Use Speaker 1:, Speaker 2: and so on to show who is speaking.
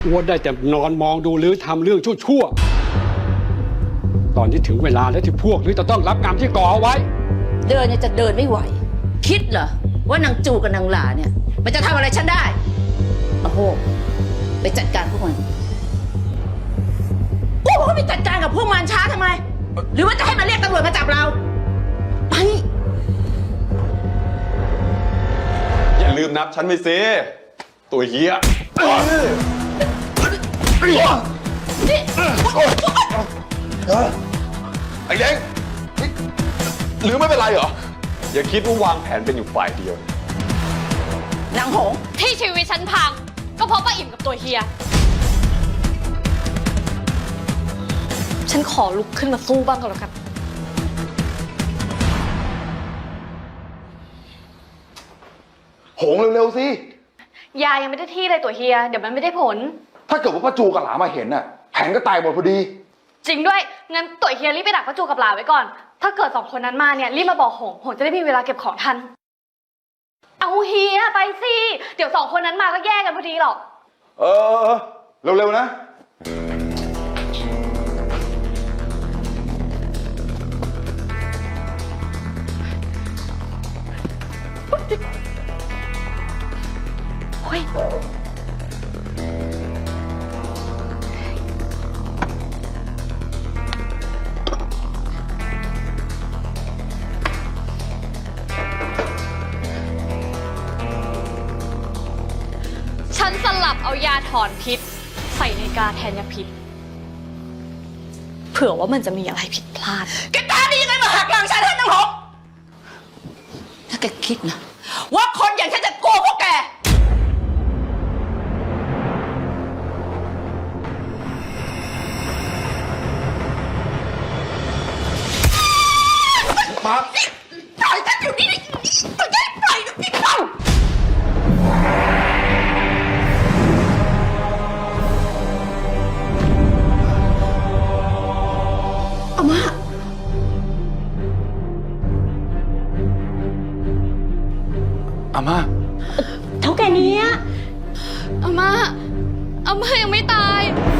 Speaker 1: อ้วนได้แต่นอนมองดูหรือทำเรื่องชั่วๆตอนที่ถึงเวลาแล้วที่พวกหรือจะต้องรับกรรมที่ก่อเอาไว้
Speaker 2: เดินเนี่ยจะเดินไม่ไหวคิดเหรอว่านางจูกับนางหลาเนี่ยมันจะทำอะไรฉันได้โอ้โหไปจัดการพวกมันโอ้โหไปจัดการกับพวกมันช้าทำไมหรือว่าจะให้มันเรียกตำรวจมาจับเราไป
Speaker 3: อย่าลืมนับฉันไปสิตัวเฮียไอ้เล้งหรือไม่เป็นไรเหรออย่าคิดว่าวางแผนเป็นอยู่ฝ่ายเดียวน
Speaker 2: างหง
Speaker 4: ที่ชีวิตฉันพังก็เพราะป้าอิ่มกับตัวเฮียฉันขอลุกขึ้นมาสู้บ้างก็แล้วกัน
Speaker 5: หงเร็วๆสิ
Speaker 4: ยายังไม่ได้ที่เลยตัวเฮียเดี๋ยวมันไม่ได้ผล
Speaker 5: ถ้าเกิดว่าป้าจูกับหลามาเห็นน่ะแผนก็ตายหมดพอดี
Speaker 4: จริงด้วยงั้นตัวเฮียรีบไปดักป้าจูกับหลาไว้ก่อนถ้าเกิดสองคนนั้นมาเนี่ยรีบมาบอกหงจะได้มีเวลาเก็บของทันเอาเฮียไปสิเดี๋ยวสองคนนั้นมาก็แย่กันพอดีหรอก
Speaker 5: เร็วๆนะ
Speaker 4: เฮ้ยฉันสลับเอายาถอนพิษใส่ในกาแทนยาพิษเผื่อว่ามันจะมีอะไรผิดพลาด
Speaker 2: แกกล้าดียังไงมาหักหลังฉันให้นางหงถ้าแกคิดนะว่าคนอย่างฉันจะโกงพวกแก
Speaker 5: มา
Speaker 2: ปล่อยฉันอยู่นี่ปล่อยฉันปล่อยนะพี่เข้าอาม่า
Speaker 5: อาม่า
Speaker 2: เท่าแก่นี้
Speaker 4: อาม่ายังไม่ตาย